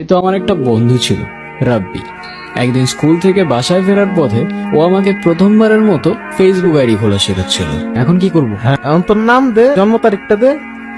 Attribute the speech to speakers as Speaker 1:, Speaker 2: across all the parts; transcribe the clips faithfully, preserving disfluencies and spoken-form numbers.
Speaker 1: তো আমার একটা বন্ধু ছিল, রাব্বি। একদিন স্কুল থেকে বাসায় ফেরার পথে ও আমাকে প্রথমবারের মতো ফেসবুক আইডি খোলা শেখাচ্ছিল। এখন কি করব?
Speaker 2: হ্যাঁ, এখন তোর নাম দে, জন্ম তারিখটা দে।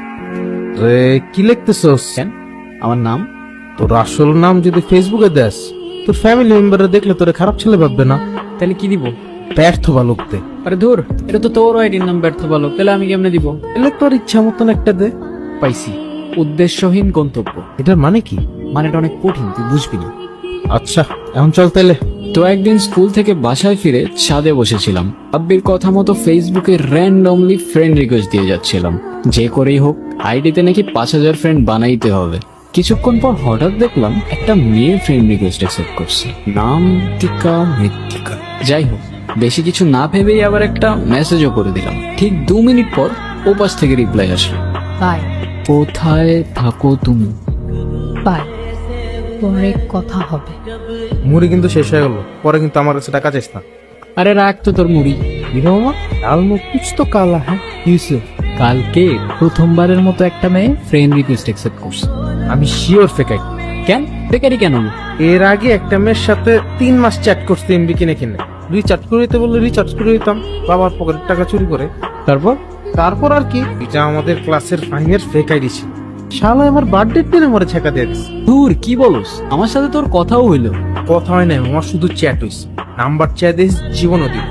Speaker 2: রে কি লিখতেছস?
Speaker 1: কেন? আমার নাম?
Speaker 2: তোর আসল নাম যদি ফেসবুকে দেস, তোর ফ্যামিলি মেম্বাররা দেখলে তোরে খারাপ ছেলে ভাববে না?
Speaker 1: তাহলে কি দিব?
Speaker 2: ব্যর্থ বালক দে।
Speaker 1: আরে ধুর, এটা তো তোর আইডির নাম ব্যর্থ বালক, তাহলে আমি কেমনে দিব?
Speaker 2: এলে তোর ইচ্ছা মতন একটা দে।
Speaker 1: পাইছি, উদ্দেশ্যহীন গন্তব্য।
Speaker 2: এটার মানে কি?
Speaker 1: মানেটা অনেক কঠিন, তুই বুঝবি না।
Speaker 2: আচ্ছা এখন চল তাইলে।
Speaker 1: তো একদিন স্কুল থেকে বাসায় ফিরে ছাদে বসেছিলাম, আব্বির কথা মতো ফেসবুকে র্যান্ডমলি ফ্রেন্ড রিকোয়েস্ট দিয়ে যাচ্ছিলাম। যে করেই হোক আইডিতে নাকি পাঁচ হাজার ফ্রেন্ড বানাইতে হবে। কিছুক্ষণ পর হঠাৎ দেখলাম একটা মেয়ে ফ্রেন্ড রিকোয়েস্ট অ্যাকসেপ্ট করছে, নাম টিকা মৃত্তিকা। যাই হোক, বেশি কিছু না ভেবেই আবার একটা মেসেজও করে দিলাম। ঠিক দু মিনিট পর ওপাশ থেকে রিপ্লাই আসলো,
Speaker 3: বাই
Speaker 1: কোথায় থাকো তুমি?
Speaker 3: বাই, পরে কথা হবে।
Speaker 2: মুড়ি কিন্তু শেষ হয়ে গেল, পরে কিন্তু আমার কাছে টাকা চাইস না।
Speaker 1: আরে রাখ তো তোর মুড়ি।
Speaker 2: মামা লাল মুখ কুছ তো কালা হ্যাঁ, কি হয়েছে?
Speaker 1: কালকে প্রথমবারের মতো একটা মেয়ে ফ্রেন্ড রিকোয়েস্ট অ্যাকসেপ্ট করছে।
Speaker 2: আমি শিওর ফেকাই।
Speaker 1: কেন বেকারি কেন?
Speaker 2: এর আগে একটা মেয়ের সাথে তিন মাস চ্যাট করতে এমবি কিনে কিনে রিচার্জ করে দিতে বললে রিচার্জ করে দিতাম, বাবার পকেটের টাকা চুরি করে।
Speaker 1: তারপর
Speaker 2: তারপর আর কি, এটা আমাদের ক্লাসের ফাইনের ফেক আইডি ছিল। শালা আমার বার্থডে দিনে মরে ছেকা দিয়ে দিস।
Speaker 1: দূর, কি বলস? আমার সাথে তোর কথাও হইলো।
Speaker 2: কথা হয় না, আমার শুধু চ্যাট হইছে। নাম্বার চেয়ে দিস, জীবনও দিই।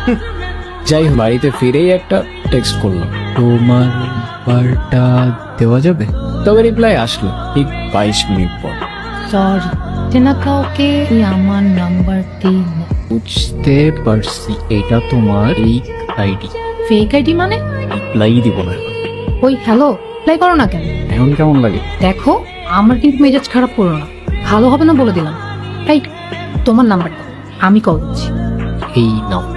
Speaker 1: যাই হোক, বাড়িতে ফিরেই একটা টেক্সট করলাম, তোমার নাম্বারটা দেওয়া যাবে? তবে রিপ্লাই আসলো ঠিক বাইশ মিনিট পর।
Speaker 3: সরি, চেনা কাউকে তুই আমার নাম্বারটি
Speaker 1: বুঝতে পারছি এটা তোমার এই আইডি।
Speaker 3: ফেক আইডি মানে?
Speaker 1: রিপ্লাই দিব না।
Speaker 3: ওই হ্যালো, প্লাই করো না কেন?
Speaker 1: এখন কেমন লাগে?
Speaker 3: দেখো, আমার কিন্তু মেজাজ খারাপ করো না, ভালো হবে না বলে দিলাম। এই তোমার নাম্বারটা আমি কল দিচ্ছি।
Speaker 1: এই নাও।